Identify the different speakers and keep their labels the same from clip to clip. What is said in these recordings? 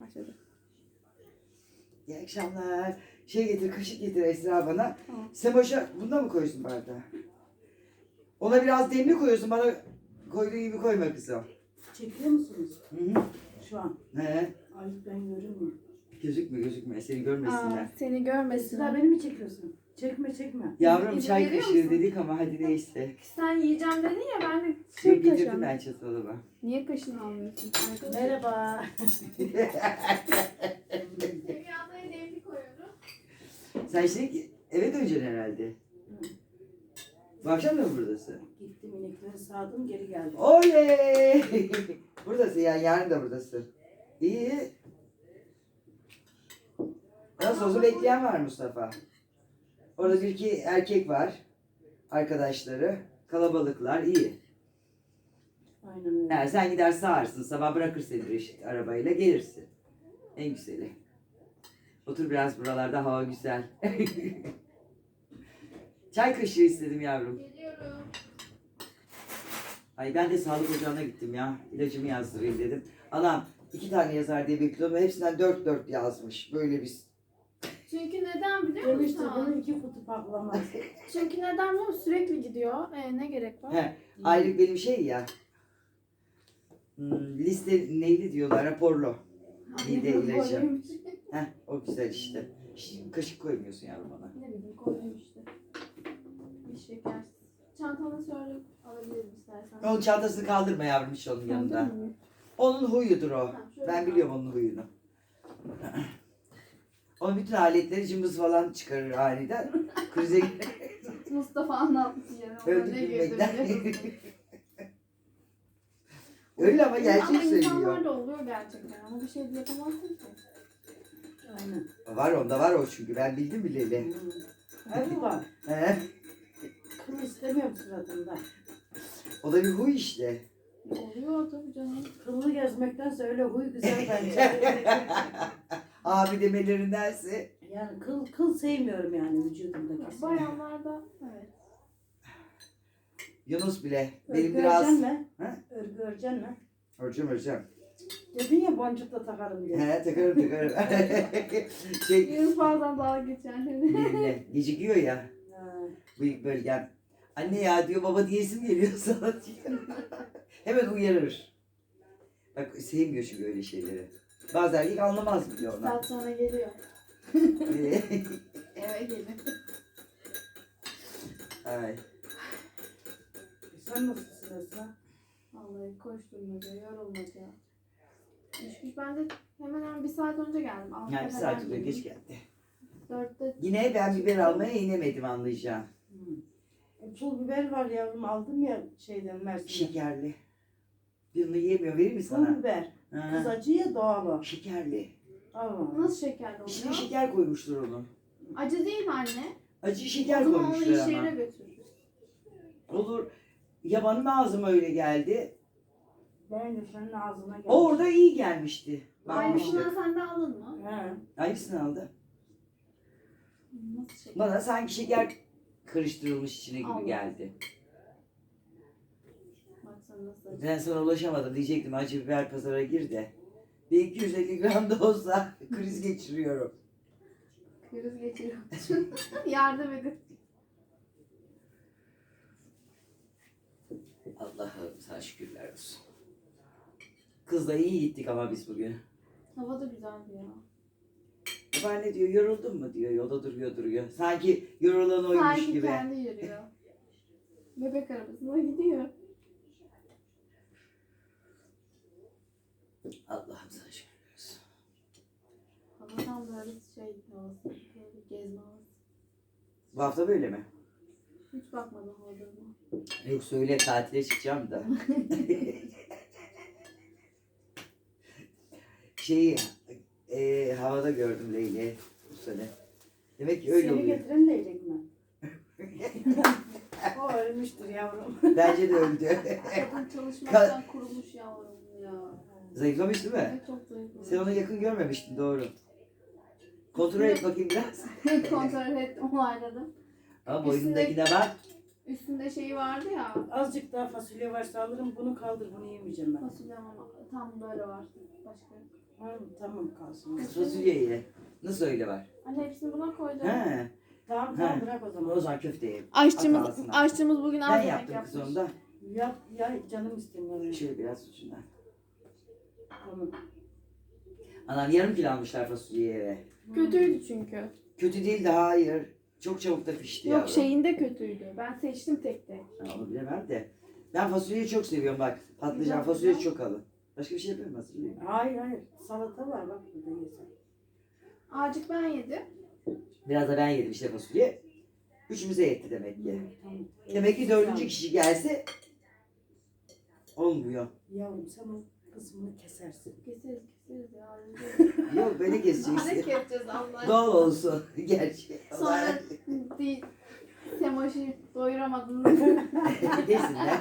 Speaker 1: başladı.
Speaker 2: İyi akşamlar. Şey getir, kaşık getir Esra bana.
Speaker 1: Tamam.
Speaker 2: Sen boşa bunda mı koyuyorsun bardağı? Ona biraz demli koyuyorsun, bana koyduğu gibi koyma kızım.
Speaker 3: Çekiyor musunuz
Speaker 2: Hı hı.
Speaker 3: şu an?
Speaker 2: He.
Speaker 3: Ay ben görünmüyor.
Speaker 2: Gözükme. Seni görmesinler.
Speaker 1: Aa, seni görmesinler.
Speaker 3: Esra beni mi çekiyorsun? Çekme.
Speaker 2: Yavrum
Speaker 1: İzin
Speaker 2: çay
Speaker 1: veriyor
Speaker 2: kaşığı
Speaker 1: musun?
Speaker 2: dedik ama hadi neyse.
Speaker 1: Sen yiyeceğim dedin ya, ben de
Speaker 2: Yok
Speaker 1: kaşığım.
Speaker 2: getirdim ben çatalıma.
Speaker 1: Niye kaşını almıyorsun?
Speaker 3: Merhaba.
Speaker 1: Dünyada demli koyuyorum.
Speaker 2: Sen şimdi eve döneceksin herhalde. Bu akşam da mı buradasın?
Speaker 3: Gittim inekleri sağdım geri geldim.
Speaker 2: Oley! Buradasın yani, yarın da buradasın. İyi. Nasıl olsa bekleyen var Mustafa. Orada bir iki erkek var. Arkadaşları. Kalabalıklar iyi.
Speaker 3: Aynen öyle.
Speaker 2: Yani sen gider sağarsın. Sabah bırakır seni Reşit arabayla gelirsin. En güzeli. Otur biraz, buralarda hava güzel. Çay kaşığı istedim yavrum.
Speaker 1: Geliyorum.
Speaker 2: Ay ben de sağlık ocağına gittim ya. İlacımı yazdırayım dedim. Anam 2 tane yazar diye bekliyordum. Hepsinden 4 yazmış. Böyle bir...
Speaker 1: Çünkü neden biliyor
Speaker 3: Demişti
Speaker 1: musun?
Speaker 3: bunu 2 kutu paklamaz.
Speaker 1: Çünkü neden biliyor musun? Sürekli gidiyor. Ne gerek var?
Speaker 2: He, aylık benim şey ya. Liste neydi diyorlar, raporlu. Mide ilacı.
Speaker 1: Koymuş.
Speaker 2: Heh, o güzel işte. Kaşık koymuyorsun yavrum ona.
Speaker 1: Ne bileyim, koydum işte. Bir şeker. Çantanı söyle, alabilirim istersen.
Speaker 2: Onun çantasını kaldırma yavrum hiç onun yanında.
Speaker 1: Aldın mı?
Speaker 2: Onun huyudur o.
Speaker 1: Tamam, şöyle
Speaker 2: Ben
Speaker 1: al.
Speaker 2: biliyorum onun huyunu. Onun bütün aletleri cımbız falan çıkarır aniden. Krize
Speaker 1: Mustafa anlatmış yani. Ona
Speaker 2: öldük
Speaker 1: ne girdi
Speaker 2: gülmekten.
Speaker 1: biliyor musun?
Speaker 2: Öyle ama gerçek
Speaker 1: Ama
Speaker 2: söylüyor.
Speaker 1: insanlar da oluyor gerçekten. Ama bir şey de yapamazsın ki.
Speaker 3: Aynen.
Speaker 2: Var onda var o çünkü, ben bildim bileli.
Speaker 3: Harbi var.
Speaker 2: He?
Speaker 3: Kıl istemiyorum suratımda.
Speaker 2: O da bir huy işte.
Speaker 1: Oluyor tabii canım.
Speaker 3: Kıllı gezmektense öyle huy güzel bence.
Speaker 2: Abi demelerindense.
Speaker 3: Yani kıl sevmiyorum yani vücudumdaki.
Speaker 1: Bayanlarda evet.
Speaker 2: Yunus bile.
Speaker 3: Örgü
Speaker 2: Benim biraz...
Speaker 3: öreceksin mi?
Speaker 2: Ha?
Speaker 3: Örgü öreceksin mi?
Speaker 2: Hocam.
Speaker 3: Dedin ya boncuk da takarım diye.
Speaker 2: He, takarım. Şey,
Speaker 1: Yunus bazen dalga geçer.
Speaker 2: benimle gecikiyor ya.
Speaker 3: Ha.
Speaker 2: Bıyık bölgem. Anne ya diyor, baba diyesim geliyor sana diyor. Hemen uyarır. Bak sevmiyor çünkü öyle şeyleri. Bazı erkek anlamaz bile ona.
Speaker 1: Saat sonra geliyor. Eve geliyor.
Speaker 2: Ay.
Speaker 3: Sen nasılsın Esra?
Speaker 1: Vallahi koşturmaca, yorulmaca. İş ben de hemen bir saat önce geldim.
Speaker 2: Yani bir saat önce geç geldi.
Speaker 1: 4'te
Speaker 2: Yine ben biber almaya inemedim, anlayacağım.
Speaker 3: Pul biber var yavrum aldım ya şeyden Mersin'den.
Speaker 2: Şekerli. Birini yiyemiyor, vereyim mi
Speaker 3: Pul
Speaker 2: sana?
Speaker 3: biber.
Speaker 2: Ha.
Speaker 3: Kız acı ya doğal o.
Speaker 2: Şekerli.
Speaker 3: Allah.
Speaker 1: nasıl şekerli
Speaker 2: İçine
Speaker 1: oluyor?
Speaker 2: şeker koymuştur onu.
Speaker 1: Acı değil mi anne?
Speaker 2: Acı
Speaker 1: O
Speaker 2: şeker
Speaker 1: zaman onu
Speaker 2: koymuşlar
Speaker 1: iş
Speaker 2: ama.
Speaker 1: yerine götürürüz.
Speaker 2: Olur. Ya benim ağzıma öyle geldi.
Speaker 3: Ben de senin ağzına geldim.
Speaker 2: O orada iyi gelmişti.
Speaker 1: Aynısından
Speaker 2: Bakmıştık.
Speaker 1: sen de alın mı?
Speaker 3: He.
Speaker 2: Hangisini aldı?
Speaker 1: Nasıl şeker?
Speaker 2: Bana sanki şeker karıştırılmış içine gibi
Speaker 1: Allah.
Speaker 2: geldi.
Speaker 1: Baksana nasıl acı.
Speaker 2: Ben sana ulaşamadım, diyecektim acı biber pazara gir de. Bir 250 gram da olsa kriz geçiriyorum.
Speaker 1: Kriz geçiriyor. Yardım edin.
Speaker 2: Allah'ım sana şükürler olsun. Kızla iyi gittik ama biz bugün.
Speaker 1: Hava da güzeldi ya.
Speaker 2: Baba ne diyor, yoruldun mu diyor, yolda duruyor. Sanki yorulan oymuş
Speaker 1: Sanki
Speaker 2: gibi.
Speaker 1: kendi yürüyor. Bebek arabasına gidiyor.
Speaker 2: Allah'ım sana şükürler olsun.
Speaker 1: Hava tam böyle havası. Böyle gezme havası.
Speaker 2: Bu hafta böyle mi?
Speaker 1: Hiç bakmadım havalarına.
Speaker 2: Yok söyle, tatile çıkacağım da. Şeyi havada gördüm Leyli bu sene. Demek ki öyle
Speaker 3: Seni
Speaker 2: oluyor.
Speaker 3: getiren leylek mi? O ölmüştür yavrum.
Speaker 2: Bence de öldü.
Speaker 1: Kadın çalışmaktan kurumuş yavrum ya.
Speaker 2: Zayıflamış değil mi?
Speaker 1: Evet, çok zayıflamış.
Speaker 2: Sen onu yakın görmemiştin, doğru. Kontrol et bakayım biraz.
Speaker 1: Kontrol ettim, onayladım.
Speaker 2: Ama boynundakine bak.
Speaker 1: Üstünde şeyi vardı ya.
Speaker 3: Azıcık daha fasulye varsa alırım bunu kaldır bunu yemeyeceğim ben.
Speaker 1: Fasulye ama tam böyle var. Başka yok.
Speaker 3: Ha, tamam kalsın.
Speaker 2: Kız fasulye ye. Nasıl öyle var?
Speaker 1: Anne hepsini buna koyacağım.
Speaker 2: He.
Speaker 3: Tamam
Speaker 2: Ha.
Speaker 3: bırak o
Speaker 2: O
Speaker 3: zaman.
Speaker 2: zaman köfte ye.
Speaker 1: Aşçımız,
Speaker 2: At ağzına.
Speaker 1: aşçımız bugün az
Speaker 2: Ben
Speaker 1: yemek
Speaker 2: yaptım
Speaker 1: yapmış.
Speaker 2: kız onda.
Speaker 3: Yap ya canım istemiyor.
Speaker 2: Şöyle biraz ucundan.
Speaker 3: Tamam.
Speaker 2: Anam yarım kilo almışlar fasulyeyi eve.
Speaker 1: Kötüydü çünkü.
Speaker 2: Kötü değil de hayır. Çok çabuk da pişti
Speaker 1: Yok
Speaker 2: yavrum.
Speaker 1: şeyinde kötüydü. Ben seçtim tek tek.
Speaker 2: Ha, onu bilemem de. Ben fasulyeyi çok seviyorum bak. Patlıcan
Speaker 1: Güzel,
Speaker 2: fasulye
Speaker 1: güzel.
Speaker 2: çok alın. Başka bir şey yapıyorum fasulye.
Speaker 3: Hayır. Salata var bak burada yesen.
Speaker 1: Azıcık ben yedim.
Speaker 2: Biraz da ben yedim işte fasulye. Üçümüze yetti demek ki.
Speaker 3: Tamam.
Speaker 2: Demek ki dördüncü kişi gelse olmuyor.
Speaker 3: Yavrum sen o kısmını kesersin.
Speaker 1: Keseriz ya.
Speaker 2: Yok böyle
Speaker 1: Ne
Speaker 2: keseceksin.
Speaker 1: keseceğiz Allah aşkına?
Speaker 2: Doğal olsun. Gerçi.
Speaker 1: Sonra değil. Semaş'ı doyuramadın.
Speaker 2: Desinler.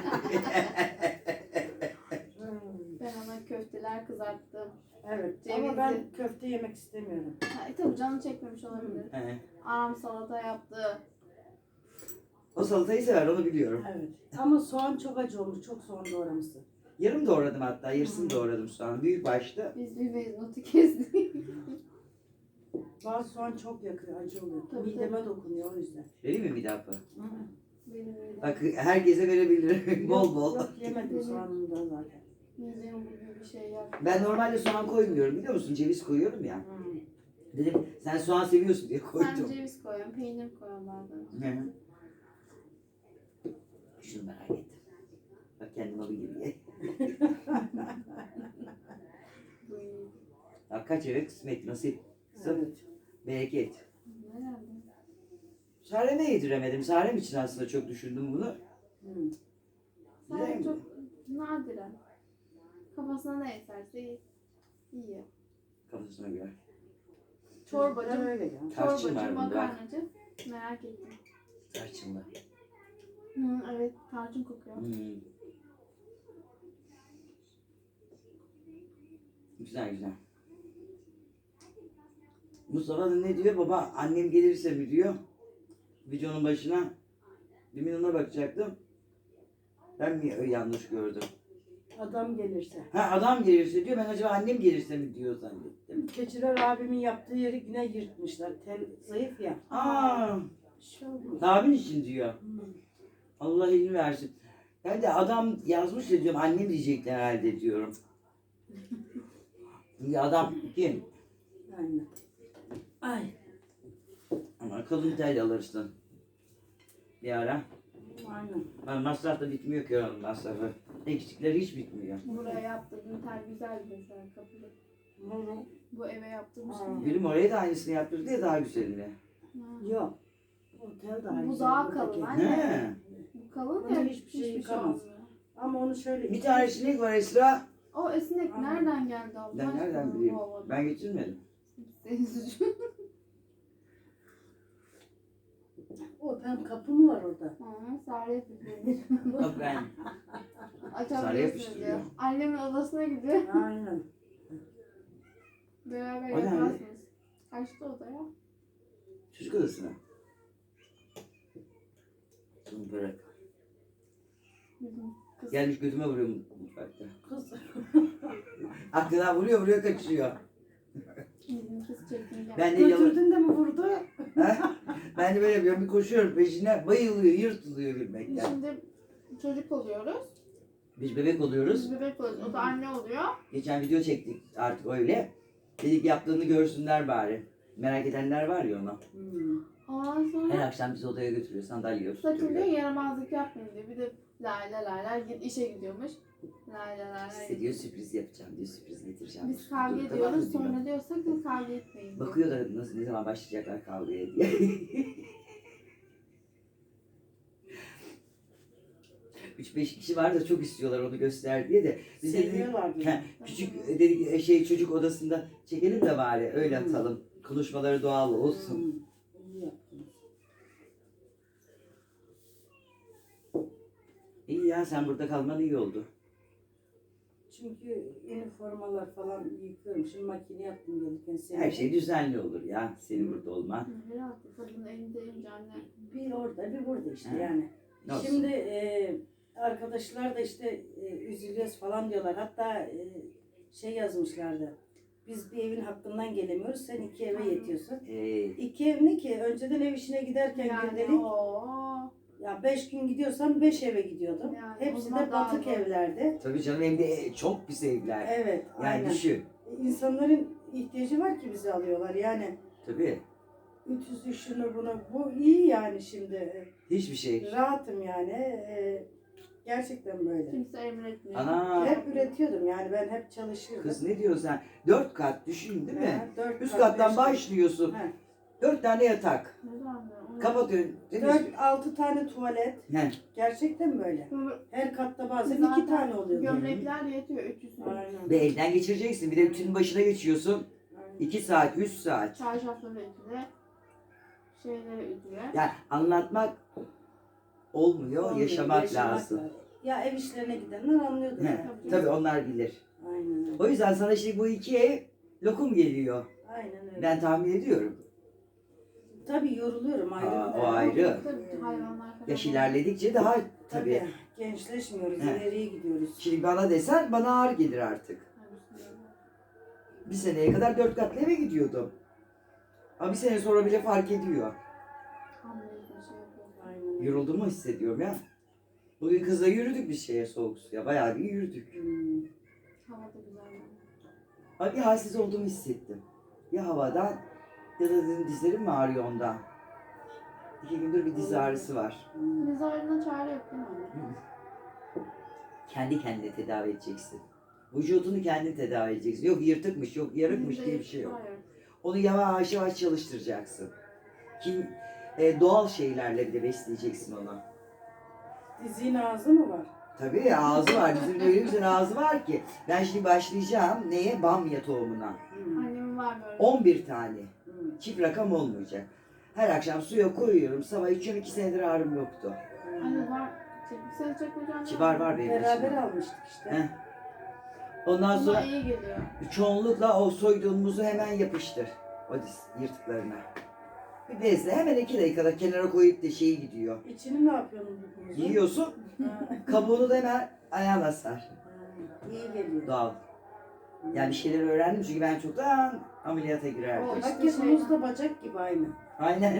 Speaker 1: Ben ona köfteler kızarttım.
Speaker 3: Evet
Speaker 1: Cevizli.
Speaker 3: ama ben köfte yemek istemiyorum.
Speaker 1: Ha, tabii canı çekmemiş olabilir.
Speaker 2: He.
Speaker 1: Anam salata yaptı.
Speaker 2: O salatayı sever onu biliyorum.
Speaker 3: Evet. Ama soğan çok acı olmuş. Çok soğan doğramışsın.
Speaker 2: Yarım doğradım hatta. Yarısını doğradım soğan. Büyük başta.
Speaker 1: Biz bir meznotu kestik.
Speaker 3: Bazı soğan çok yakıyor. Acı oluyor.
Speaker 1: Tabii,
Speaker 3: Mideme dokunuyor o yüzden.
Speaker 2: Vereyim mi bir daha?
Speaker 1: Benim öyle.
Speaker 2: Bak herkese verebilirim. Bol bol.
Speaker 3: Yok yemedim soğanını da zaten.
Speaker 1: Midem bugün bir şey yap.
Speaker 2: Ben normalde soğan koymuyorum biliyor musun? Ceviz koyuyorum ya.
Speaker 3: Hmm.
Speaker 2: Dedim sen soğan seviyorsun diye
Speaker 1: Sen
Speaker 2: koydum.
Speaker 1: ceviz koyuyorsun, peynir koyuyorsun bazen.
Speaker 2: Hı hı. Şunu merak ettim. Bak kendim alayım gibi ye.
Speaker 1: Bu iyi.
Speaker 2: Bak kaç eve kısmet nasip.
Speaker 3: Evet.
Speaker 2: Bereket.
Speaker 1: Herhalde.
Speaker 2: Sare'me yediremedim. Sarem için aslında çok düşündüm bunu.
Speaker 3: Hmm.
Speaker 2: Güzel
Speaker 1: Sadece
Speaker 2: mi?
Speaker 1: çok nadiren. Kafasına ne eserse yiyor.
Speaker 2: Kafasına göre.
Speaker 1: Çorbacı.
Speaker 3: Çocuklar öyle ya.
Speaker 2: Tarçın
Speaker 1: Çorbacı,
Speaker 2: var bunda.
Speaker 1: makarnacı. Merak ettim.
Speaker 2: Tarçınlı.
Speaker 1: Hı, evet, tarçın kokuyor.
Speaker 2: Hmm. Güzel güzel. Mustafa da ne diyor? Baba annem gelirse mi diyor. Videonun başına. Demin ona bakacaktım. Ben mi yanlış gördüm?
Speaker 3: Adam gelirse.
Speaker 2: Ha adam gelirse diyor. Ben acaba annem gelirse mi diyor zannettim.
Speaker 3: Keçiler abimin yaptığı yeri yine yırtmışlar. Tel zayıf ya.
Speaker 2: Aa,
Speaker 3: Bir şey olmaz.
Speaker 2: abin için diyor.
Speaker 3: Hmm.
Speaker 2: Allah elini versin. Ben de adam yazmış ya diyorum. Annem diyecekler herhalde diyorum. Ya adam kim?
Speaker 3: Aynen. Ay.
Speaker 2: Ama kalın tel alırsın. Bir ara.
Speaker 3: Aynen.
Speaker 2: Ben masraf da bitmiyor ki onun masrafı. Eksikleri hiç bitmiyor.
Speaker 1: Buraya yaptırdığım tel güzel mesela kapıda.
Speaker 3: Hı.
Speaker 1: Bu eve yaptığım
Speaker 3: Aa.
Speaker 1: şey.
Speaker 2: Benim oraya da aynısını yaptırdı ya daha güzelini.
Speaker 1: Ha.
Speaker 3: Yok. O tel daha
Speaker 1: Bu
Speaker 3: güzel,
Speaker 1: daha
Speaker 3: buradaki.
Speaker 1: kalın anne.
Speaker 2: He.
Speaker 1: Bu kalın
Speaker 3: Bunda
Speaker 1: ya
Speaker 3: hiçbir şey yıkamaz.
Speaker 1: olmuyor.
Speaker 3: Ama onu şöyle
Speaker 2: Bir tane sinek var Esra.
Speaker 1: O esnek
Speaker 3: Aa.
Speaker 1: nereden geldi Allah
Speaker 2: Ben nereden
Speaker 1: aşkına
Speaker 2: bileyim?
Speaker 1: bu havada?
Speaker 2: Ben getirmedim.
Speaker 1: Senin suçun.
Speaker 3: o tam kapı mı var orada?
Speaker 1: Ha, Sare yapıyor.
Speaker 2: Bak ben. Sare
Speaker 1: Açabilirsiniz
Speaker 2: yapıştırıyor.
Speaker 1: diyor. Annemin odasına gidiyor.
Speaker 3: Aynen.
Speaker 1: Beraber
Speaker 2: O ne?
Speaker 1: yaparsınız. Kaçtı odaya?
Speaker 2: Çocuk odasına. Bunu bırak.
Speaker 1: Bizim kız.
Speaker 2: Gelmiş götüme vuruyor mutfakta.
Speaker 3: Kız.
Speaker 2: Aklına vuruyor kaçıyor.
Speaker 1: Bizim kız çekingen.
Speaker 2: Ben de yalan.
Speaker 3: Götürdün de mi vurdu?
Speaker 2: Ha? Ben de böyle yapıyorum. Bir koşuyorum peşine bayılıyor, yırtılıyor
Speaker 1: Biz
Speaker 2: gülmekten.
Speaker 1: şimdi çocuk oluyoruz.
Speaker 2: Biz bebek oluyoruz.
Speaker 1: Biz bebek oluyoruz. O da anne oluyor.
Speaker 2: Geçen video çektik artık öyle. Dedik yaptığını görsünler bari. Merak edenler var ya ona.
Speaker 3: Hmm.
Speaker 1: Ondan
Speaker 2: Her
Speaker 1: sonra
Speaker 2: akşam bizi odaya götürüyor, sandalye
Speaker 1: sakın diyor
Speaker 2: oturtuyor.
Speaker 1: yaramazlık yapmayın diyor. Bir de lay lay lay lay işe gidiyormuş. Lay lay lay
Speaker 2: Size
Speaker 1: lay.
Speaker 2: diyor sürpriz yapacağım diyor, sürpriz getireceğim.
Speaker 1: Biz kavga
Speaker 2: Dur, tamam
Speaker 1: ediyoruz.
Speaker 2: mı diyor.
Speaker 1: Sonra diyor sakın kavga etmeyin diyor.
Speaker 2: Bakıyor da nasıl ne zaman başlayacaklar kavgaya diye. Üç beş kişi var da çok istiyorlar onu göster diye de. Biz de dedik,
Speaker 3: Seviyorlar beni.
Speaker 2: he, küçük dedik çocuk odasında çekelim de bari öyle atalım. Konuşmaları doğal olsun.
Speaker 3: Hmm. İyi yaptınız.
Speaker 2: İyi ya sen burada kalman iyi oldu.
Speaker 3: Çünkü üniformalar falan yıkıyorum. Şimdi makine yaptım gelirken seni.
Speaker 2: Her şey düzenli olur ya senin burada olman.
Speaker 1: Herhalde kadının elindeyince anne.
Speaker 3: Bir orada bir burada işte
Speaker 2: He.
Speaker 3: yani.
Speaker 2: Ne olsun?
Speaker 3: Şimdi arkadaşlar da işte üzülüyoruz falan diyorlar. Hatta şey yazmışlardı. Biz bir evin hakkından gelemiyoruz. Sen 2 eve yetiyorsun. 2 ev ne ki? Önceden ev işine giderken
Speaker 1: Yani
Speaker 3: gündelik
Speaker 1: o
Speaker 3: ya 5 gün gidiyorsam 5 eve gidiyordum.
Speaker 1: Yani o
Speaker 3: Hepsi
Speaker 1: zaman
Speaker 3: de
Speaker 1: daha
Speaker 3: batık
Speaker 1: zor.
Speaker 3: evlerde.
Speaker 2: Tabii canım hem de çok pis evler.
Speaker 3: Evet,
Speaker 2: Yani
Speaker 3: aynen.
Speaker 2: düşün.
Speaker 3: İnsanların ihtiyacı var ki bizi alıyorlar. Yani
Speaker 2: Tabii.
Speaker 3: ütüsü şunu bunu. Bu iyi yani şimdi.
Speaker 2: Hiçbir şey.
Speaker 3: Rahatım yani. Gerçekten böyle.
Speaker 1: kimse emretmiyor.
Speaker 2: Ana.
Speaker 3: Hep üretiyordum yani ben hep çalışıyordum.
Speaker 2: Kız ne diyorsun sen? 4 kat düşün değil mi?
Speaker 3: Ha, 4
Speaker 2: Üst
Speaker 3: kat,
Speaker 2: kattan
Speaker 3: 5 kat.
Speaker 2: başlıyorsun.
Speaker 3: Ha.
Speaker 2: 4 tane yatak.
Speaker 1: Ne zaman ya? Onu-
Speaker 2: Kapatıyorsun. Temiz.
Speaker 3: 4-6 tane tuvalet.
Speaker 2: He.
Speaker 3: Gerçekten böyle.
Speaker 1: Bu-
Speaker 3: Her katta bazen
Speaker 1: Zaten
Speaker 3: 2 tane oluyordu.
Speaker 1: Gömlekler yetiyor 300 lira.
Speaker 3: Aynen.
Speaker 2: Ve elden geçireceksin. Bir de ütünün başına geçiyorsun.
Speaker 3: Aynen.
Speaker 2: 2 saat, 3 saat.
Speaker 1: Çarşafları ütüle. Şeyleri ütüle.
Speaker 2: Yani anlatmak olmuyor,
Speaker 3: Olmuyor,
Speaker 2: yaşamak lazım.
Speaker 3: Ya ev işlerine gidenler anlıyordu
Speaker 2: He,
Speaker 3: zaten.
Speaker 2: tabii onlar bilir.
Speaker 3: Aynen öyle.
Speaker 2: O yüzden sana şimdi bu 2 ev lokum geliyor.
Speaker 3: Aynen öyle.
Speaker 2: Ben tahmin ediyorum.
Speaker 3: Tabii yoruluyorum ayrı.
Speaker 2: Aa,
Speaker 3: bir
Speaker 2: o
Speaker 3: de.
Speaker 2: ayrı.
Speaker 1: Tabii hayvanlar falan.
Speaker 2: Yaş ilerledikçe daha tabii.
Speaker 3: Tabii. Gençleşmiyoruz,
Speaker 2: He.
Speaker 3: ileriye gidiyoruz.
Speaker 2: Şimdi bana desen bana ağır gelir artık. Bir seneye kadar 4 katlı eve gidiyordum. Ama bir sene sonra bile fark ediyor.
Speaker 1: Hamleyiz bir şey yapıyoruz.
Speaker 3: Aynen.
Speaker 2: Yorulduğumu hissediyorum ya. Bugün kızla yürüdük bir şeye soğuk suya. Bayağı bir yürüdük.
Speaker 3: Hmm.
Speaker 1: Hava da güzel. yani.
Speaker 2: Ama bir halsiz olduğumu hissettim. Ya havadan ya da dedim dizlerim mi ağrıyor ondan. 2 gündür bir diz ağrısı var.
Speaker 3: Hmm.
Speaker 1: Biz ağrına çare yok değil mi anne?
Speaker 2: Kendi kendine tedavi edeceksin. Vücudunu kendin tedavi edeceksin. Yok yırtıkmış, yok yarıkmış
Speaker 1: Bizde
Speaker 2: diye bir şey yok.
Speaker 1: hayır.
Speaker 2: Onu yavaş yavaş çalıştıracaksın. Doğal şeylerle bir de besleyeceksin onu.
Speaker 3: Dizin ağzı mı var?
Speaker 2: Tabii ağzı var. Bizim öyle güzel ağzı var ki. Ben şimdi başlayacağım neye? Bamya tohumuna.
Speaker 3: Hmm.
Speaker 1: Annemin var böyle.
Speaker 2: 11 tane.
Speaker 3: Hmm.
Speaker 2: Çift rakam olmayacak. Her akşam suya koyuyorum. Sabah içiyorum. 2 senedir ağrım yoktu.
Speaker 1: Anne var. Sen çekmeyeceksin.
Speaker 2: Var benim
Speaker 3: Beraber
Speaker 2: başıma.
Speaker 3: almıştık işte.
Speaker 2: Heh. Ondan sonra
Speaker 1: Buna iyi geliyor.
Speaker 2: çoğunlukla o soyduğun muzu hemen yapıştır. O yırtıklarına. Bir bezle hemen 2 dakikada kenara koyup da şeyi gidiyor.
Speaker 3: İçini ne yapıyorsun bu kuzu?
Speaker 2: Yiyorsun.
Speaker 3: Ha.
Speaker 2: Kabuğunu da hemen ayağına sar.
Speaker 3: Ha, İyi geliyor.
Speaker 2: Doğal. Yani bir şeyler öğrendim çünkü ben çoktan ameliyata girerdim.
Speaker 1: O-
Speaker 3: Hakikaten
Speaker 1: şey-
Speaker 3: muz da bacak gibi aynı.
Speaker 2: Aynen.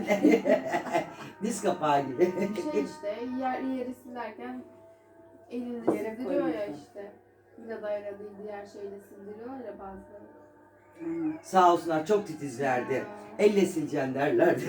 Speaker 2: Diz kapağı gibi.
Speaker 1: Şey işte yeri silerken elini
Speaker 3: Yere
Speaker 1: sildiriyor ya
Speaker 3: koyuyorsun.
Speaker 1: işte. Vidayla değil diğer şeyle sildiriyor ya bazıları.
Speaker 3: Hmm.
Speaker 2: Sağ olsunlar çok titizlerdi. Elle sileceksin derlerdi.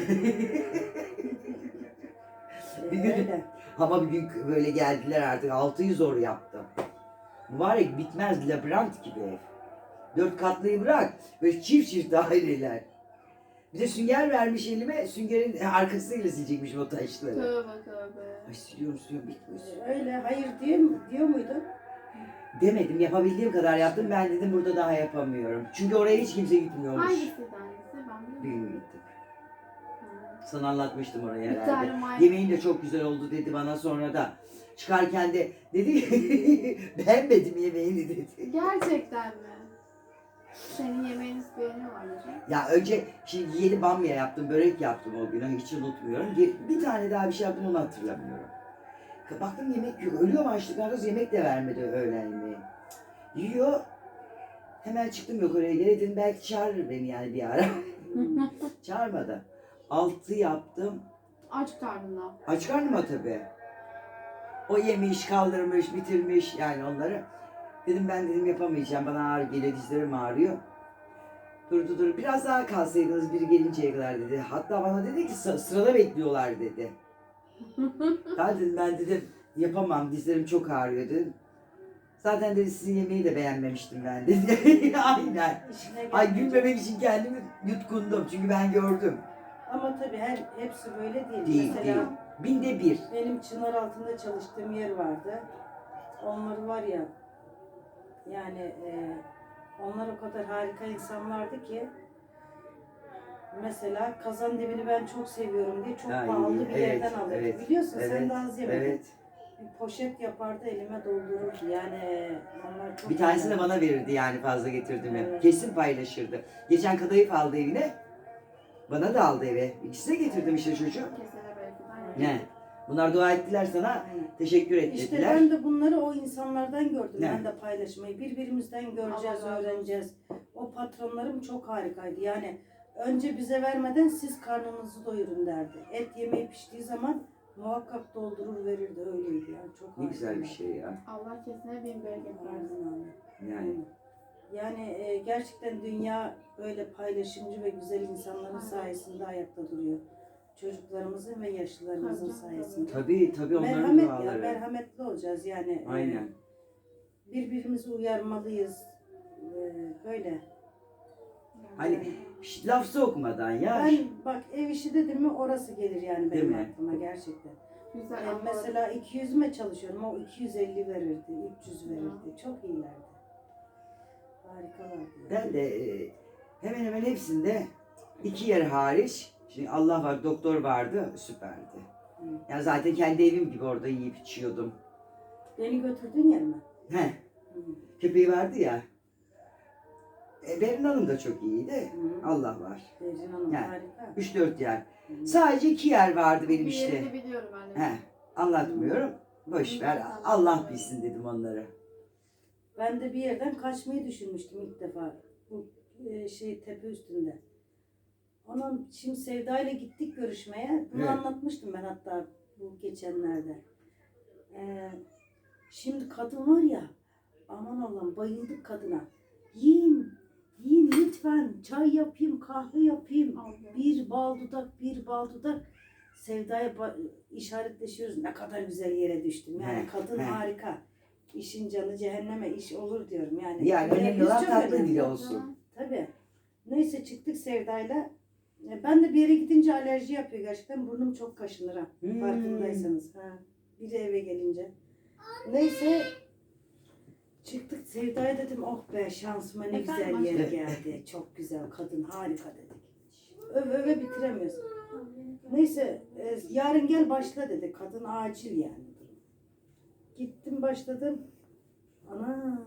Speaker 2: Bir gün-
Speaker 3: Öyle.
Speaker 2: Ama bir gün böyle geldiler artık 6'yı zor yaptım. Mübarek bitmez labirent gibi ev. 4 katlıyı bırak. Böyle çift çift daireler. Bir de sünger vermiş elime. Süngerin arkasıyla silecekmiş o taşları.
Speaker 1: Tövbe tövbe.
Speaker 2: Ay siliyorum bitmiyor.
Speaker 3: Öyle. Hayır diyor muydu?
Speaker 2: Demedim yapabildiğim kadar yaptım. Ben dedim burada daha yapamıyorum. Çünkü oraya hiç kimse gitmiyormuş.
Speaker 1: Hangisiydi hangisi? Ben
Speaker 2: Bir
Speaker 1: bilmiyorum.
Speaker 2: gün gittim.
Speaker 1: Ha.
Speaker 2: Sana anlatmıştım orayı
Speaker 1: Bir
Speaker 2: herhalde.
Speaker 1: tane may...
Speaker 2: Yemeğin de çok güzel oldu dedi bana sonra da. Çıkarken de dedi beğenmedim yemeğini dedi.
Speaker 1: Gerçekten mi? Senin yemeğini beğeniyorlar hocam.
Speaker 2: Ya önce şimdi yeni bamya yaptım, börek yaptım o gün hiç unutmuyorum. Bir tane daha bir şey yaptım onu hatırlamıyorum. Baktım yemek yok. Ölüyorum açlıktan kız yemek de vermedi öğlen yemeği. Yiyor. Hemen çıktım yukarıya geri dedim belki çağırır beni yani bir ara. Çağırmadı. 6 yaptım.
Speaker 1: Aç karnına.
Speaker 2: Aç karnıma tabii. O yemiş, kaldırmış, bitirmiş yani onları. Dedim ben dedim yapamayacağım. Bana ağrı geliyor, dizlerim ağrıyor. Dur. Biraz daha kalsaydınız biri gelinceye kadar dedi. Hatta bana dedi ki sırada bekliyorlar dedi. Ben dedim yapamam dizlerim çok ağrıyor dedim. Zaten dedi sizin yemeği de beğenmemiştim ben dedi. Aynen.
Speaker 3: İşine
Speaker 2: Ay
Speaker 3: gelmeyecek.
Speaker 2: gülmemek için kendimi yutkundum çünkü ben gördüm.
Speaker 3: Ama tabii hepsi böyle değil.
Speaker 2: Değil
Speaker 3: Mesela
Speaker 2: değil. Binde bir.
Speaker 3: benim çınar altında çalıştığım yer vardı. Onlar var ya yani onlar o kadar harika insanlardı ki mesela kazandemiri ben çok seviyorum diye çok
Speaker 2: Ay,
Speaker 3: pahalı bir
Speaker 2: evet,
Speaker 3: yerden alırdı.
Speaker 2: evet,
Speaker 3: Biliyorsun sen
Speaker 2: evet,
Speaker 3: de az yemedin.
Speaker 2: Evet.
Speaker 3: Bir poşet yapardı elime doldururdu. Yani onlar çok
Speaker 2: Bir tanesini de
Speaker 3: güzeldi.
Speaker 2: bana verirdi yani fazla getirdim mi?
Speaker 3: Evet.
Speaker 2: Kesin paylaşırdı. Geçen kadayıf aldı evine. Bana da aldı eve. İkisine getirdim işte çocuğu.
Speaker 1: Kesene belki. Aynen.
Speaker 2: Ne? Bunlar dua ettiler sana.
Speaker 3: Aynen.
Speaker 2: Teşekkür
Speaker 3: İşte
Speaker 2: ettiler.
Speaker 3: ben de bunları o insanlardan gördüm.
Speaker 2: Ne?
Speaker 3: Ben de paylaşmayı. Birbirimizden göreceğiz,
Speaker 1: Allah razı olsun.
Speaker 3: öğreneceğiz. O patronlarım çok harikaydı. Yani önce bize vermeden siz karnınızı doyurun derdi. Et yemeği piştiği zaman muhakkak doldurur verirdi. Öyleydi yani. Çok
Speaker 2: Ne güzel bir
Speaker 3: harikaydı.
Speaker 2: şey ya.
Speaker 1: Allah kesine bin bereket versin.
Speaker 3: Aynen öyle.
Speaker 2: Yani
Speaker 3: Yani gerçekten dünya böyle paylaşımcı ve güzel insanların
Speaker 1: Aynen.
Speaker 3: sayesinde ayakta duruyor. Çocuklarımızın ve yaşlılarımızın
Speaker 1: Tabii,
Speaker 3: sayesinde.
Speaker 2: tabii onların
Speaker 3: Merhamet ya,
Speaker 2: duaları.
Speaker 3: merhametli olacağız yani.
Speaker 2: Aynen.
Speaker 3: Birbirimizi uyarmalıyız. Böyle.
Speaker 2: Hani laf sokmadan ya.
Speaker 3: Ben bak ev işi dedim mi orası gelir yani
Speaker 2: Değil
Speaker 3: benim
Speaker 2: mi?
Speaker 3: aklıma gerçekten.
Speaker 1: Güzel ama
Speaker 3: Mesela 200'üme çalışıyorum, o 250 verirdi, 300 verirdi. Çok iyilerdi. Harikalardı. Yani.
Speaker 2: Ben de hemen hemen hepsinde 2 yer hariç. Şimdi Allah var, doktor vardı, süperdi.
Speaker 3: Hı.
Speaker 2: Yani zaten kendi evim gibi orada yiyip içiyordum.
Speaker 3: Beni götürdün yer mi?
Speaker 2: He,
Speaker 3: Hı.
Speaker 2: köpeği vardı ya. Berin Hanım da çok iyiydi.
Speaker 3: Hı.
Speaker 2: Allah var.
Speaker 3: Beyrin Hanım
Speaker 2: Yani,
Speaker 3: harika.
Speaker 2: 3-4 yer.
Speaker 3: Hı.
Speaker 2: Sadece 2 yer vardı benim
Speaker 1: bir
Speaker 2: işte.
Speaker 1: yerini biliyorum ben de.
Speaker 2: He, anlatmıyorum. Boş ver. Allah bilsin dedim onları.
Speaker 3: Ben de bir yerden kaçmayı düşünmüştüm ilk defa. Bu tepe üstünde. Onun şimdi Sevda ile gittik görüşmeye. Bunu
Speaker 2: Evet.
Speaker 3: anlatmıştım ben hatta bu geçenlerde. Şimdi kadın var ya, aman Allah'ım bayıldık kadına. Yiyin, yiyin lütfen. Çay yapayım, kahve yapayım. Bir bal dudak, bir bal dudak. Sevda'ya işaretleşiyoruz. Ne kadar güzel yere düştüm. Yani
Speaker 2: He,
Speaker 3: kadın
Speaker 2: he.
Speaker 3: harika. İşin canı cehenneme iş olur diyorum. Yani,
Speaker 2: Yani önemli
Speaker 3: biz
Speaker 2: olan
Speaker 3: çok
Speaker 2: tatlı
Speaker 3: önemli.
Speaker 2: dili olsun.
Speaker 3: Tabii. Neyse çıktık Sevda'yla. Ben de bir yere gidince alerji yapıyor gerçekten. Burnum çok kaşınır ha.
Speaker 2: Hmm.
Speaker 3: Farkındaysanız. Ha. Bir de eve gelince. Neyse çıktık Sevda'ya dedim oh be şansıma ne
Speaker 1: Efendim,
Speaker 3: güzel yere
Speaker 2: aşkım?
Speaker 3: geldi. Çok güzel kadın harika dedik. Öve öve bitiremiyoruz. Neyse yarın gel başla dedi. Kadın acil yani. Gittim başladım. Ana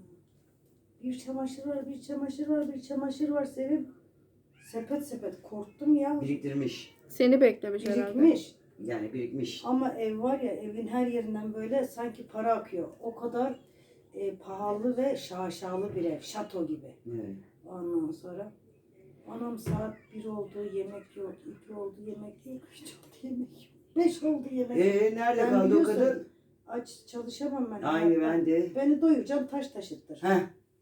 Speaker 3: bir çamaşır var, bir çamaşır var, bir çamaşır var Sevim. Sepet sepet korktum ya.
Speaker 2: Biriktirmiş.
Speaker 1: Seni beklemiş herhalde.
Speaker 3: Birikmiş.
Speaker 2: Yani birikmiş.
Speaker 3: Ama ev var ya evin her yerinden böyle sanki para akıyor. O kadar pahalı ve şaşalı bir ev. Şato gibi.
Speaker 2: Evet.
Speaker 3: Ondan sonra anam saat 1 oldu yemek yok. 2 oldu yemek yok. 3 oldu yemek yok. 5 oldu yemek yok.
Speaker 2: Nerede
Speaker 3: Ben
Speaker 2: kaldı o
Speaker 3: biliyorsun,
Speaker 2: kadın?
Speaker 3: Aç çalışamam ben.
Speaker 2: Aynı ben de.
Speaker 3: Beni doyuracağım taş taşıttır.
Speaker 2: Heh.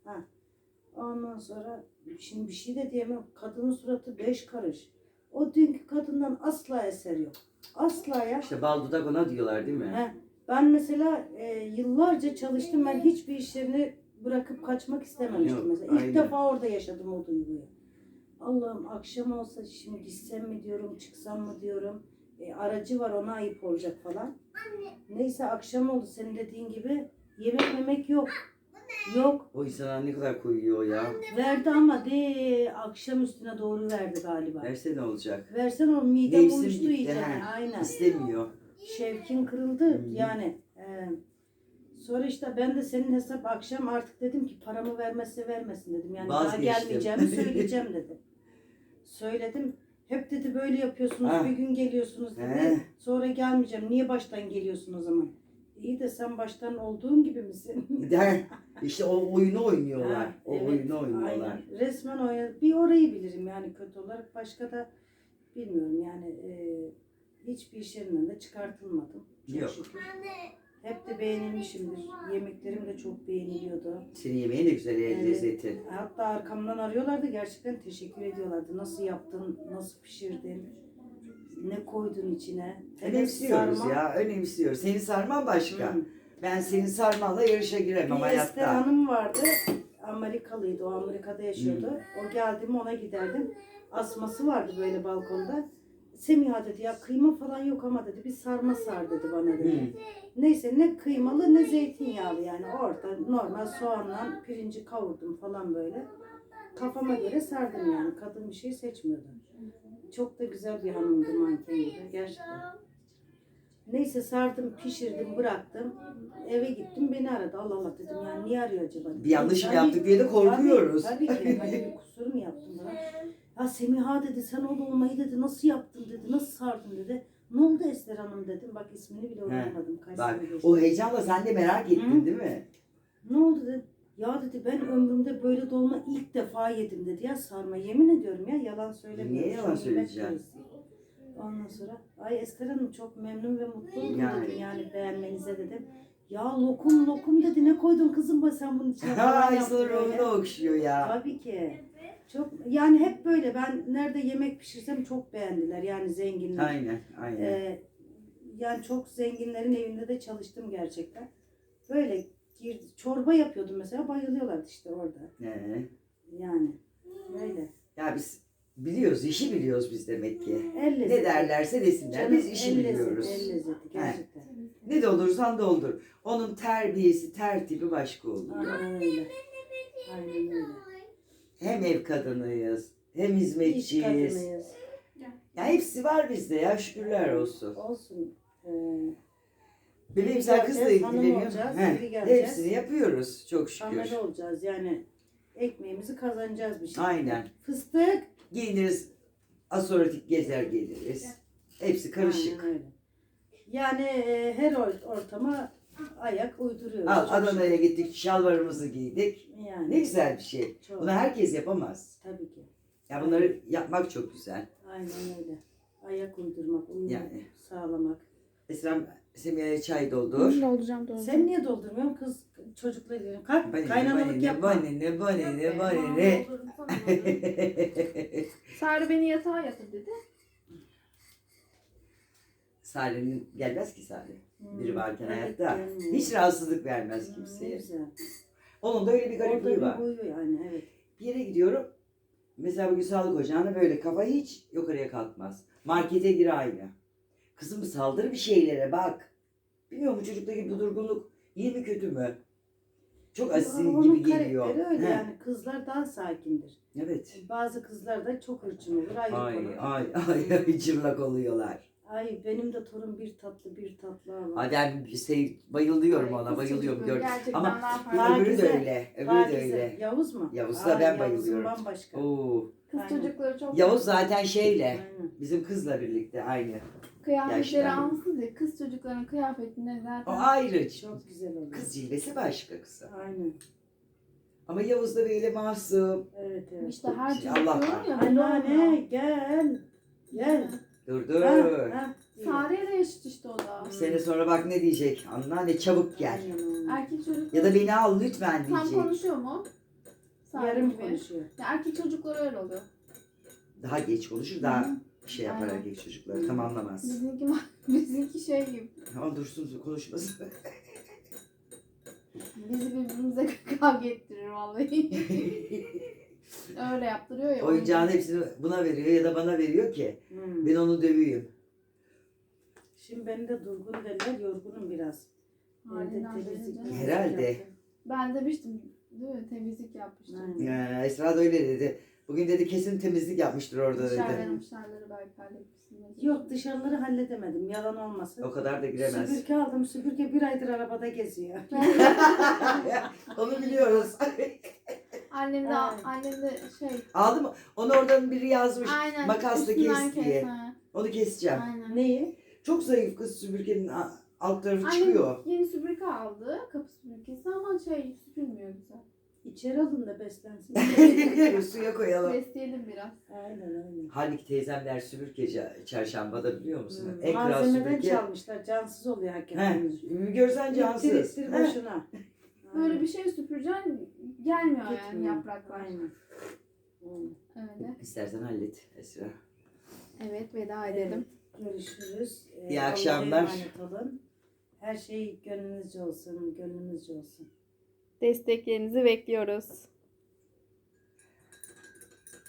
Speaker 3: Ondan sonra şimdi bir şey de diyemem. Kadının suratı 5 karış. O dünkü kadından asla eser yok. Asla ya.
Speaker 2: İşte bal dudak ona diyorlar değil mi?
Speaker 3: He. Ben mesela yıllarca çalıştım. Ben hiçbir iş yerini bırakıp kaçmak istememiştim
Speaker 2: Yok,
Speaker 3: mesela. İlk
Speaker 2: aynen.
Speaker 3: defa orada yaşadım o duyguyu. Allah'ım akşam olsa şimdi gitsem mi diyorum, çıksam mı diyorum. Aracı var ona ayıp olacak falan. Neyse akşam oldu senin dediğin gibi. Yemek yok. Yok.
Speaker 2: O insana ne kadar koyuyor ya.
Speaker 3: Verdi ama akşam üstüne doğru verdi galiba.
Speaker 2: Verse ne olacak?
Speaker 3: Versen o midem
Speaker 2: Mevsim
Speaker 3: uyuştu
Speaker 2: bitti,
Speaker 3: iyice.
Speaker 2: he.
Speaker 3: Aynen.
Speaker 2: İstemiyor.
Speaker 3: Şevkin kırıldı
Speaker 2: Hı.
Speaker 3: yani. Sonra işte ben de senin hesap akşam artık dedim ki paramı vermezse vermesin dedim. Yani daha
Speaker 2: Vazgeçtim.
Speaker 3: gelmeyeceğimi söyleyeceğim dedim. Söyledim. Hep dedi böyle yapıyorsunuz
Speaker 2: Ha.
Speaker 3: bir gün geliyorsunuz dedi.
Speaker 2: He.
Speaker 3: Sonra gelmeyeceğim. Niye baştan geliyorsun o zaman? İyi de sen baştan olduğun gibi misin?
Speaker 2: Der. İşte o oyunu oynuyorlar.
Speaker 3: Ha,
Speaker 2: O
Speaker 3: evet,
Speaker 2: oyunu oynuyorlar.
Speaker 3: aynen. Resmen oynadı. Bir orayı bilirim yani kötü olarak. Başka da bilmiyorum yani hiçbir iş yerinden de çıkartılmadım. Çok
Speaker 2: Yok.
Speaker 3: şükür. Hep de beğenilmişimdir. Yemeklerim de çok beğeniliyordu.
Speaker 2: Senin yemeğin de güzel
Speaker 3: Evet.
Speaker 2: lezzeti.
Speaker 3: Hatta arkamdan arıyorlardı. Gerçekten teşekkür ediyorlardı. Nasıl yaptın? Nasıl pişirdin? Ne koydun içine? Hele
Speaker 2: Önemsiyoruz
Speaker 3: sarma.
Speaker 2: ya. Önemsiyoruz. Senin sarman başka.
Speaker 3: Hı.
Speaker 2: Ben senin sarmanla yarışa giremem
Speaker 3: Bir Ester
Speaker 2: hayatta.
Speaker 3: Hanım vardı. Amerikalıydı. O Amerika'da yaşıyordu. O geldi mi ona giderdim. Asması vardı böyle balkonda. Semiha dedi ya kıyma falan yok ama dedi bir sarma sar dedi bana dedi.
Speaker 2: Hı.
Speaker 3: Neyse ne kıymalı ne zeytinyağlı yani orada normal soğanla pirinci kavurdum falan böyle. Kafama göre sardım yani. Kadın bir şey seçmiyordu. Çok da güzel bir hanımdı manken gibi gerçekten. Neyse sardım, pişirdim, bıraktım. Eve gittim beni aradı. Allah Allah dedim yani niye arıyor acaba?
Speaker 2: Bir yanlış mı
Speaker 3: Tabii-
Speaker 2: yaptık diye de korkuyoruz.
Speaker 3: Tabii ki. Hani bir kusur mu yaptım bana? Ya Semiha dedi sen o dolmayı dedi nasıl yaptın dedi nasıl sardın dedi. Ne oldu Ester Hanım dedim. Bak ismini bile unutmadım. Kaç
Speaker 2: Bak
Speaker 3: sene geçti.
Speaker 2: o heyecanla sen de merak ettin
Speaker 3: Hı.
Speaker 2: değil mi?
Speaker 3: Ne oldu dedim. Ya dedi ben ömrümde böyle dolma ilk defa yedim dedi ya sarma. Yemin ediyorum ya yalan söylemiyorum.
Speaker 2: Niye yalan
Speaker 3: Şu yemek
Speaker 2: söyleyeceksin?
Speaker 3: krizi. Ondan sonra ay Ester Hanım çok memnun ve mutlu oldum
Speaker 2: Yani.
Speaker 3: dedim yani beğenmenize dedim. Ya lokum lokum dedi ne koydun kızım ba sen bunun içine falan
Speaker 2: Ay
Speaker 3: yaptı
Speaker 2: sana
Speaker 3: böyle.
Speaker 2: ruhunu okşuyor ya.
Speaker 3: Tabii ki. Çok yani hep böyle ben nerede yemek pişirsem çok beğendiler yani zenginler.
Speaker 2: Aynen aynen.
Speaker 3: Yani çok zenginlerin evinde de çalıştım gerçekten. Böyle çorba yapıyordum mesela bayılıyorlardı işte orada. Yani böyle.
Speaker 2: Ya biz biliyoruz, işi biliyoruz biz demek ki.
Speaker 3: El
Speaker 2: Ne
Speaker 3: lezzeti.
Speaker 2: derlerse desinler,
Speaker 3: Canım,
Speaker 2: biz işi
Speaker 3: el
Speaker 2: biliyoruz.
Speaker 3: lezzeti, el lezzeti gerçekten.
Speaker 2: Ne doldurursan doldur. Onun terbiyesi, tertibi başka oluyor.
Speaker 3: Aynen öyle. Aynen öyle.
Speaker 2: Hem ev kadınıyız, hem
Speaker 3: İş
Speaker 2: hizmetçiyiz.
Speaker 3: kadınıyız.
Speaker 2: Ya hepsi var bizde ya, şükürler olsun.
Speaker 3: Olsun.
Speaker 2: Bebeğim
Speaker 3: Biri
Speaker 2: sen kızla
Speaker 3: geleceğiz, hanım
Speaker 2: ilgileniyorsun.
Speaker 3: olacağız,
Speaker 2: Heh,
Speaker 3: biri geleceğiz.
Speaker 2: hepsini yapıyoruz çok şükür.
Speaker 3: Amele olacağız yani. Ekmeğimizi kazanacağız bir şekilde.
Speaker 2: Aynen.
Speaker 3: Fıstık.
Speaker 2: Giyiniriz, asoratik gezer geliriz. Hepsi karışık.
Speaker 3: Aynen öyle. Yani her ortama ayak uyduruyoruz.
Speaker 2: Al
Speaker 3: Çok
Speaker 2: Adana'ya gittik, şalvarımızı giydik.
Speaker 3: şükür. Yani.
Speaker 2: Ne güzel bir şey.
Speaker 3: Çok.
Speaker 2: Bunu herkes yapamaz.
Speaker 3: Tabii ki.
Speaker 2: Ya bunları yapmak çok güzel.
Speaker 3: Aynen öyle. Ayak uydurmak, uyum
Speaker 2: Yani.
Speaker 3: sağlamak.
Speaker 2: Esra'm Semiha'ya çay doldur.
Speaker 1: Dolduracağım.
Speaker 3: Sen niye dolduruyorsun kız çocukla ilgili? Kalk kaynanalık yapma.
Speaker 2: Bana.
Speaker 1: Sarı beni yatağa yatır dedi.
Speaker 2: Salih'in gelmez ki Salih. Biri varken
Speaker 3: Evet,
Speaker 2: hayatta.
Speaker 3: gelmiyor.
Speaker 2: Hiç rahatsızlık vermez
Speaker 3: Ne
Speaker 2: kimseye.
Speaker 3: güzel.
Speaker 2: Onun da öyle bir
Speaker 3: Orada
Speaker 2: garipliği var.
Speaker 3: bir huyu yani evet.
Speaker 2: Bir yere gidiyorum. Mesela bugün sağlık ocağına böyle kafa hiç yukarıya kalkmaz. Markete gir aynı. Kızım saldır bir şeylere bak. Bilmiyorum bu çocuktaki bu durgunluk iyi mi kötü mü? Çok asil
Speaker 3: Onun
Speaker 2: gibi geliyor.
Speaker 3: karakteri öyle
Speaker 2: He,
Speaker 3: yani kızlar daha sakindir.
Speaker 2: evet.
Speaker 3: Bazı kızlar da çok hırçın olur ayrı
Speaker 2: Ay
Speaker 3: konu.
Speaker 2: ay cırlak oluyorlar.
Speaker 3: Ay benim de torun bir tatlı ama.
Speaker 2: Ay ben bayılıyorum
Speaker 1: Ay,
Speaker 2: ona
Speaker 1: kız
Speaker 2: bayılıyorum.
Speaker 1: çocukları
Speaker 2: Gör.
Speaker 1: gerçekten
Speaker 2: Ama
Speaker 1: daha
Speaker 2: bir
Speaker 1: farklı.
Speaker 2: öbürü de
Speaker 3: Pakize,
Speaker 2: öyle. Öbürü de
Speaker 3: Pakize.
Speaker 2: öyle.
Speaker 3: Yavuz mu?
Speaker 2: Yavuz'la ben
Speaker 3: Yavuz'un
Speaker 2: bayılıyorum.
Speaker 3: bambaşka.
Speaker 2: Oo.
Speaker 1: Kız
Speaker 3: Aynen.
Speaker 1: çocukları çok
Speaker 2: Yavuz zaten şeyle.
Speaker 3: Aynen.
Speaker 2: Bizim kızla birlikte aynı.
Speaker 1: kıyafetleri
Speaker 2: yaşlandı.
Speaker 1: almışsınız ya. Kız çocukların kıyafetinde
Speaker 2: O
Speaker 1: zaten.
Speaker 2: ayrı.
Speaker 3: Çok güzel oluyor.
Speaker 2: Kız cilvesi başka kızı.
Speaker 3: Aynen.
Speaker 2: Ama Yavuz da böyle masum.
Speaker 3: Evet evet.
Speaker 1: İşte her çocuk
Speaker 2: Allah
Speaker 1: diyorum
Speaker 2: var.
Speaker 1: ya. böyle
Speaker 3: Anneanne
Speaker 1: olmuyor.
Speaker 3: gel. Gel.
Speaker 2: Dur dur.
Speaker 3: Ha.
Speaker 1: Sare'ye de yaşıt işte o da.
Speaker 2: Bir sene sonra bak ne diyecek. Anneanne çabuk gel.
Speaker 3: Aynen öyle.
Speaker 1: Erkek çocuk
Speaker 2: Ya da beni al lütfen
Speaker 1: tam
Speaker 2: diyecek.
Speaker 1: konuşuyor mu? Sare
Speaker 3: Yarım
Speaker 1: gibi.
Speaker 3: konuşuyor.
Speaker 1: Ya erkek çocuklar öyle oluyor.
Speaker 2: Daha geç konuşur daha şey yapar
Speaker 1: Aynen.
Speaker 2: erkek çocukları. Tamamlamaz.
Speaker 1: Bizimki şey gibi.
Speaker 2: Ama dursun konuşmasın.
Speaker 1: Bizi birbirimize kavga ettirir vallahi. Öyle yaptırıyor ya.
Speaker 2: Oyuncağın hepsini buna veriyor ya da bana veriyor ki ben onu döveyim.
Speaker 3: Şimdi beni de durgun derler, yorgunum biraz.
Speaker 1: Halinden
Speaker 3: Evde temizlik
Speaker 1: belli canım.
Speaker 2: Herhalde.
Speaker 3: yaptım.
Speaker 1: Ben demiştim değil mi? Temizlik yapmıştım.
Speaker 3: Aynen.
Speaker 2: Ya, Esra da öyle dedi. Bugün dedi kesin temizlik yapmıştır orada dedi.
Speaker 1: Dışarıları belki halletmişsin.
Speaker 3: Yok dışarıları halledemedim, yalan olmasın.
Speaker 2: O kadar da giremez.
Speaker 3: Süpürge aldım, süpürge bir aydır arabada geziyor.
Speaker 2: Onu biliyoruz.
Speaker 1: Annem de,
Speaker 3: Evet.
Speaker 1: annem de şey.
Speaker 2: Aldı mı? Onu oradan biri yazmış.
Speaker 1: Aynen.
Speaker 2: Makasla
Speaker 1: üstünden
Speaker 2: kes diye.
Speaker 1: ha.
Speaker 2: Onu keseceğim.
Speaker 1: Aynen.
Speaker 3: Neyi?
Speaker 2: Çok zayıf kız süpürgenin alt tarafı
Speaker 1: Annem
Speaker 2: çıkıyor.
Speaker 1: yeni süpürge aldı. Kapı süpürgesi ama şey süpürmüyor güzel.
Speaker 3: İçeri alın da beslensin.
Speaker 2: Suya koyalım.
Speaker 1: Besleyelim biraz.
Speaker 3: Aynen aynen.
Speaker 2: Halbuki teyzemler süpürge çarşambada biliyor musun?
Speaker 3: Hmm.
Speaker 2: En kral
Speaker 3: Malzemeden
Speaker 2: süpürge.
Speaker 3: çalmışlar, cansız oluyor hakikaten.
Speaker 2: Görsen cansız.
Speaker 3: İttir
Speaker 2: Heh.
Speaker 3: boşuna.
Speaker 1: Böyle bir şey süpüreceksin gelmiyor yani
Speaker 3: Gitmiyor.
Speaker 1: yapraklar.
Speaker 3: Aynen. Aynen.
Speaker 1: Öyle.
Speaker 2: İstersen hallet Esra.
Speaker 1: Evet veda edelim.
Speaker 3: Görüşürüz.
Speaker 2: İyi
Speaker 3: Allah'a
Speaker 2: akşamlar.
Speaker 3: emanet olun. Her şey gönlünüzce olsun, gönlümüzce olsun.
Speaker 1: Desteklerinizi bekliyoruz.